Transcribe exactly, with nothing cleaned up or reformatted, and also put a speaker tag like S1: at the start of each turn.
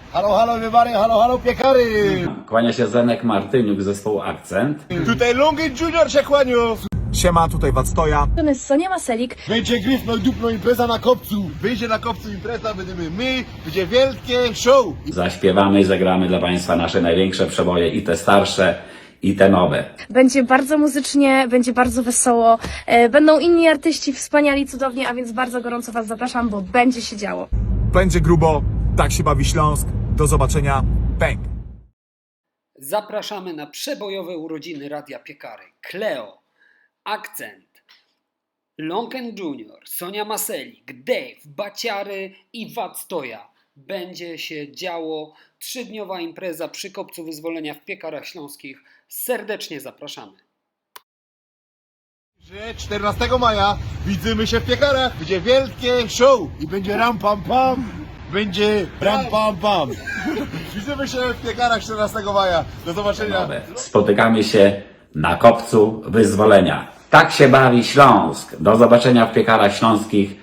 S1: Halo, halo, wybary, halo, halo, piekary!
S2: Kłania się Zenek Martyniuk, zespołu Akcent.
S1: Tutaj Longen Junior się kłaniu!
S3: Siema, tutaj Wactoja.
S4: To jest Sonia Maselik.
S1: Będzie gryfno i dupno impreza na kopcu. Wyjdzie na kopcu impreza, będziemy my, będzie wielkie show.
S2: Zaśpiewamy i zagramy dla Państwa nasze największe przeboje, i te starsze, i te nowe.
S4: Będzie bardzo muzycznie, będzie bardzo wesoło. E, Będą inni artyści wspaniali, cudownie, a więc bardzo gorąco Was zapraszam, bo będzie się działo.
S3: Będzie grubo, tak się bawi Śląsk. Do zobaczenia. Bang!
S5: Zapraszamy na przebojowe urodziny Radia Piekary. Kleo, Akcent, Longen Junior, Sonia Maselik, Dave, Baciary i Wactoja. Będzie się działo. Trzydniowa impreza przy Kopcu Wyzwolenia w Piekarach Śląskich. Serdecznie zapraszamy.
S1: Że czternastego maja widzimy się w piekarach, będzie wielkie show i będzie ram pam pam, będzie ram pam pam. Widzimy się w piekarach czternastego maja. Do zobaczenia.
S2: nowe. Spotykamy się na Kopcu Wyzwolenia. Tak się bawi Śląsk. Do zobaczenia w Piekarach Śląskich